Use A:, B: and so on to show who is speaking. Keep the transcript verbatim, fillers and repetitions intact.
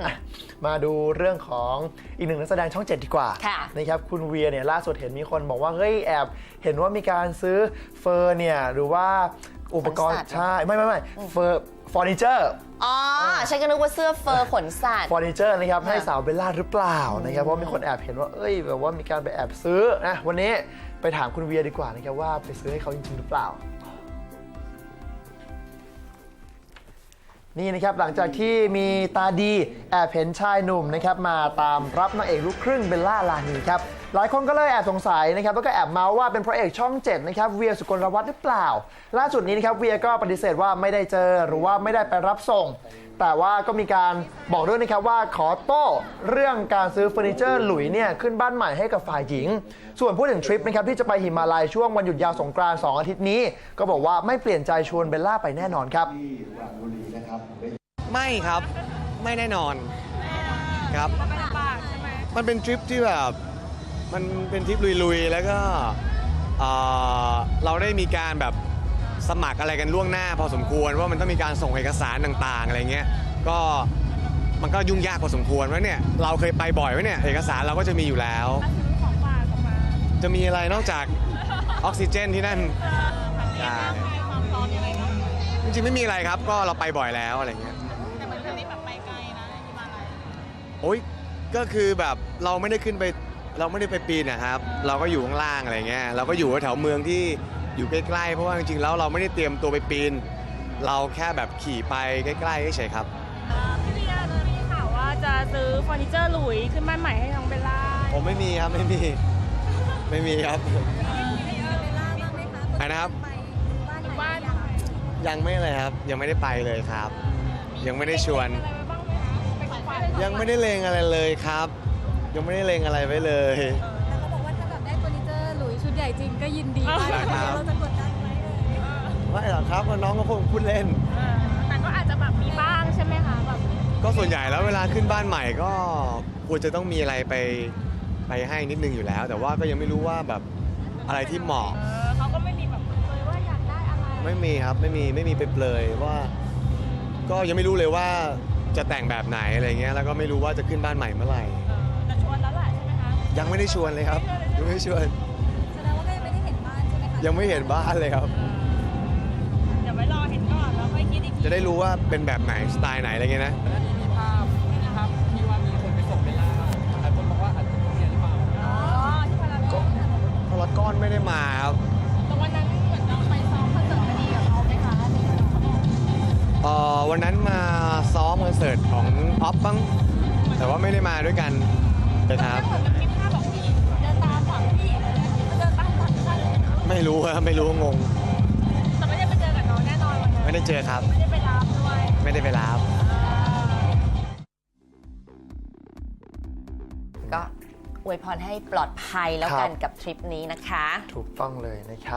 A: มาดูเรื่องของอีกหนึ่งนักแสดงช่องเจ็ดดีกว่านะครับคุณเวียเนี่ยล่าสุดเห็นมีคนบอกว่าเฮ้ยแอบเห็นว่ามีการซื้อเฟอร์เนี่ยหรือว่าอุปกรณ์ใช่ไม่ไม่ไม่เฟอร์เฟอร์นิเจอร์
B: อ๋อฉันก็นึกว่าเสื้อเฟอร์ขนสัตว์
A: เฟอร์นิเจอร์นะครับให้สาวเบลล่าหรือเปล่านะครับเพราะมีคนแอบเห็นว่าเอ้ยแบบว่ามีการไปแอบซื้อนะวันนี้ไปถามคุณเวียดีกว่านะครับว่าไปซื้อให้เขาจริงๆหรือเปล่านี่นะครับหลังจากที่มีตาดีแอบเห็นชายหนุ่มนะครับมาตามรับนางเอกลูกครึ่งเบลล่าลานีครับหลายคนก็เลยแอบสงสัยนะครับแล้วก็แอบเมาส์ว่าเป็นพระเอกช่องเจ็ดนะครับเวียสุกลวัฒน์หรือเปล่าล่าสุดนี้นะครับเวียก็ปฏิเสธว่าไม่ได้เจอหรือว่าไม่ได้ไปรับส่งแต่ว่าก็มีการบอกด้วยนะครับว่าขอโต้เรื่องการซื้อเฟอร์นิเจอร์หลุยเนี่ยขึ้นบ้านใหม่ให้กับฝ่ายหญิงส่วนพูดถึงทริปนะครับที่จะไปหิมาลัยช่วงวันหยุดยาวสงกรานต์สองอาทิตย์นี้ก็บอกว่าไม่เปลี่ยนใจชวนเบลล่าไปแน่นอนครับ
C: ไม่ครับไม่แน่นอนครับมันเป็นทริปที่แบบมันเป็นทริปลุยๆแล้วก็เอ่อเราได้มีการแบบสมัครอะไรกันล่วงหน้าพอสมควรว่ามันต้องมีการส่งเอกสารต่างๆอะไรเงี้ยก็มันก็ยุ่งยากพอสมควรว่าเนี่ยเราเคยไปบ่อยไหมเนี่ยเอกสารเราก็จะมีอยู่แล้วจะมีอะไรนอกจากออกซิเจนที่นั่นจริงๆไม่มีอะไรครับก็เราไปบ่อยแล้วอะไรเงี้ยโอ้ยก็คือแบบเราไม่ได้ขึ้นไปเราไม่ได้ไปปีนนะครับเราก็อยู่ข้างล่างอะไรเงี้ยเราก็อยู่แถวเมืองที่อยู่ใกล้ๆเพราะว่าจริงๆแล้วเราไม่ได้เตรียมตัวไปปีนเราแค่แบบขี่ไปใกล้ๆเฉยๆครับ
D: พี่เบียร์เลยมีข่าวว่าจะซื้อเฟอร์นิเจอร์หลุยขึ้นบ้านใหม่ให้น้องเบลล่า
C: ผมไม่มีครับไม่มีไม่มีครับไอ้นะครับยังไม่เลยครับยังไม่ได้ไปเลยครับยังไม่ได้ชวนยังไม่ได้เลงอะไรเลยครับยังไม่ได้เลงอะไรไว้เลย
E: แล้วเขาบอกว่าถ้าแบบได้เฟอร์นิเจอร์หลุยชุดใหญ่จริงก็ยินดีมากเราจะกดดันไหมเลย
C: ไม่หรอกครับน้องก็คงพูดเล่น
D: แต่ก็อาจจะแบบมีบ้างใช่ไหมคะแบบ
C: ก็ส่วนใหญ่แล้วเวลาขึ้นบ้านใหม่ก็ควรจะต้องมีอะไรไปไปให้นิดนึงอยู่แล้วแต่ว่าก็ยังไม่รู้ว่าแบบอะไรที่เหมาะ
D: เขาก็ไม่มีแบบเลยว่าอยากได้อะไร
C: ไม่มีครับไม่มีไม่มีไปเปลยว่าก็ยังไม่รู้เลยว่าจะแต่งแบบไหนอะไรเงี้ยแล้วก็ไม่รู้ว่าจะขึ้นบ้านใหม่เมื่อไหร่
D: จะชวนแล้วแหละใช่ไหมคะ
C: ยังไม่ได้ชวนเลยครับยังไม่ได้ชวน
E: แสดงว่าก็ยังไม่ได้เห็นบ้านใช่ไหมคะ
C: ยังไม่เห็นบ้านเลยครับ
D: เดี๋ยวไว้รอเห็นก่อนแล้วค่อยคิดอีกที
C: จะได้รู้ว่าเป็นแบบไหนสไตล์ไหนอะไรเงี้ยนะ
F: แล้วนี่มีภาพมีภาพที่ว่ามีคนไปส่งเบลล่าหลายคนบอกว่าอาจจะเป็นเนี่ยหรือเปล่า
D: อ๋อที่พารากอน
C: พารากอนไม่ได้มาครับ
D: แต่วันนั้นเหมือนเราไปซ้อมคอนเสิร์ตพอดีกับเขาไหมคะ
C: เอ่อวันนั้นมาซ้อมคอนเสิร์ตของออฟบ้างแต่ว่าไม่ได้มาด้วยกันนะครับ
D: มีภาพบอกพี่เดินตามฝั่งพี่เดินตามฝั่งฉัน
C: ไม่รู้ครับไม่รู้งง
D: แต่ไม่ได้ไปเจอกับน้องแน่นอนวันนั้น
C: ไม่ได้เจอครับ
D: ไม่ได้ไปรับด้วย
C: ไม่ได้ไปรับ
B: ก็อวยพรให้ปลอดภัยแล้วกันกับทริปนี้นะคะ
A: ถูกต้องเลยนะครับ